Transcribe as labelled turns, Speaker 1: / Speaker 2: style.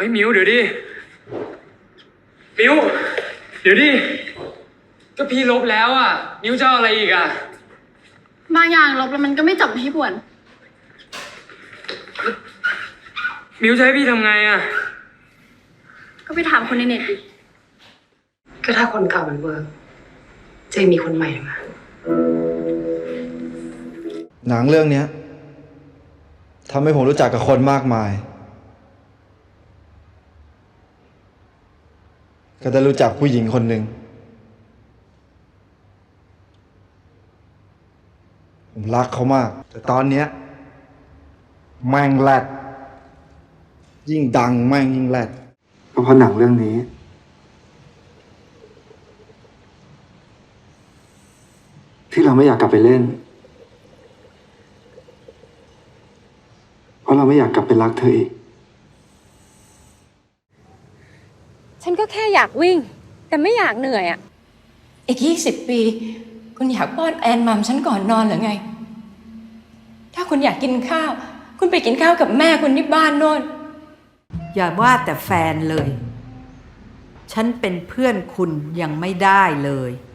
Speaker 1: ฮ้ยมิวเดี๋ยวดิมิวเดี๋ยวดิก็พี่ลบแล้วอ่ะมิวจะเอาอะไรอีกอ่ะ
Speaker 2: บางอย่างลบแล้วมันก็ไม่จบให้ป่วน
Speaker 1: มิวจะให้พี่ทำไงอ่ะ
Speaker 2: ก็ไปถามคนในเน็ตดิ
Speaker 3: ก็ถ้าคนเก่ามันเวิร์กจะมีคนใหม่มา
Speaker 4: หนังเรื่องนี้ทำให้ผมรู้จักกับคนมากมายก็ได้รู้จักผู้หญิงคนหนึ่งผมรักเขามากแต่ตอนเนี้ยแม่งแรดยิ่งดังแม่งยิ่งแรดก็เพราะหนังเรื่องนี้ที่เราไม่อยากกลับไปเล่นเพราะเราไม่อยากกลับไปรักเธออีก
Speaker 5: ฉันก็แค่อยากวิ่งแต่ไม่อยากเหนื่อยอ่ะ
Speaker 6: อีก20 ปีคุณอยากป้อนแอนมัมฉันก่อนนอนหรือไงถ้าคุณอยากกินข้าวคุณไปกินข้าวกับแม่คุณที่บ้านโน่น
Speaker 7: อย่าว่าแต่แฟนเลยฉันเป็นเพื่อนคุณยังไม่ได้เลย